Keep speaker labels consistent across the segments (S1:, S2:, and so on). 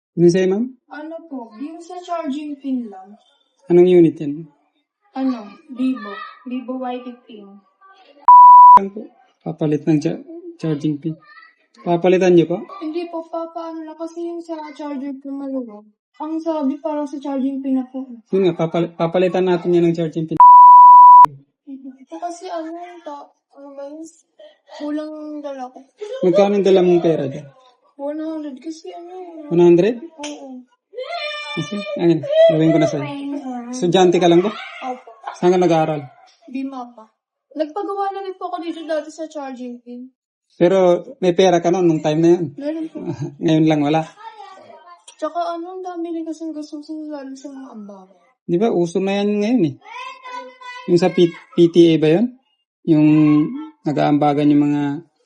S1: Ano sa'yo, ma'am?
S2: Ano po, yung sa charging pin lang.
S1: Anong unit yan?
S2: Vivo. Vivo Y15.
S1: Lang po. Papalit ng charging pin. Papalitan niyo po?
S2: Hindi po, papaano lang kasi yung sa charger pin maluwag. Ang sabi parang sa charging pin na po.
S1: Yun nga, papalitan natin yan ng charging pin.
S2: Ito kasi ano ba yun? Kulang dala ko.
S1: Magkano yung dala mong pera dyan?
S2: 100 kasi ano.
S1: 100?
S2: Oo.
S1: Kasi, ayun, gawin ko na sa'yo. Estudyante ka lang ba?
S2: Opo.
S1: Saan ka nag-aaral?
S2: Bima pa. Nagpagawa na rin po ako dito dati sa charging pin.
S1: Pero may pera ka noon nung time na yun.
S2: Meron po.
S1: Ngayon lang wala.
S2: Tsaka ang dami rin kasing gusto lalo sa mga ambaga.
S1: Di ba, uso na yan ngayon eh. Yung sa PTA ba yun? Yung nag-aambagan yung mga...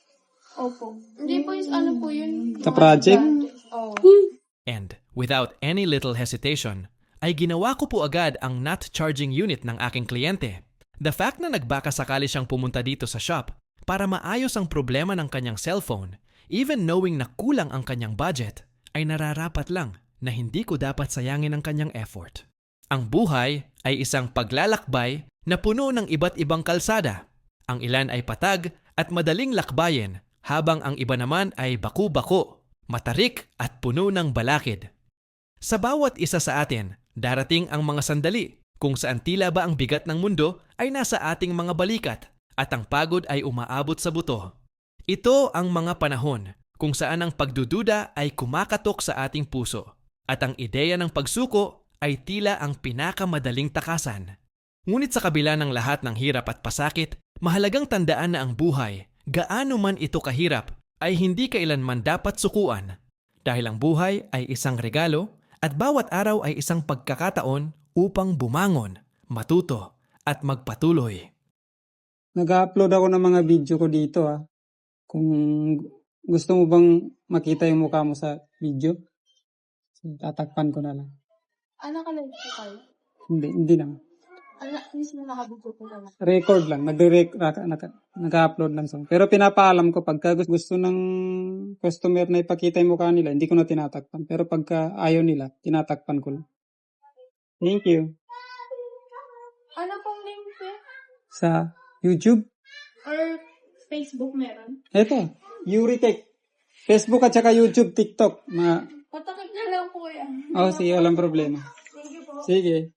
S2: Opo. Hindi po yung ano po yun.
S1: Sa project?
S2: Oo.
S3: And without any little hesitation, ay ginawa ko po agad ang not charging unit ng aking kliyente. The fact na nagbaka sakali siyang pumunta dito sa shop para maayos ang problema ng kanyang cellphone, even knowing na kulang ang kanyang budget, ay nararapat lang na hindi ko dapat sayangin ang kanyang effort. Ang buhay ay isang paglalakbay na puno ng iba't ibang kalsada. Ang ilan ay patag at madaling lakbayin, habang ang iba naman ay baku-bako, matarik at puno ng balakid. Sa bawat isa sa atin, darating ang mga sandali kung saan tila ba ang bigat ng mundo ay nasa ating mga balikat at ang pagod ay umaabot sa buto. Ito ang mga panahon kung saan ang pagdududa ay kumakatok sa ating puso at ang ideya ng pagsuko ay tila ang pinakamadaling takasan. Ngunit sa kabila ng lahat ng hirap at pasakit, mahalagang tandaan na ang buhay, gaano man ito kahirap, ay hindi kailanman dapat sukuan. Dahil ang buhay ay isang regalo at bawat araw ay isang pagkakataon upang bumangon, matuto at magpatuloy.
S1: Nag-upload ako ng mga video ko dito ah. Kung gusto mo bang makita yung mukha mo sa video, tatakpan ko na lang.
S2: Nakalive po kayo?
S1: Hindi naman.
S2: Mismo nakabugod po naman.
S1: Record lang. Nag-upload lang. Pero pinapaalam ko pagka gusto ng customer na ipakita yung mukha nila, hindi ko na tinatakpan. Pero pagka ayaw nila, tinatakpan ko lang. Thank you.
S2: Ano pong link po?
S1: Sa YouTube?
S2: Or Facebook meron?
S1: Eto, Euritech. Facebook at saka YouTube, TikTok.
S2: Patakip na lang po yan.
S1: Sige, walang problema.
S2: Thank you po.
S1: Sige.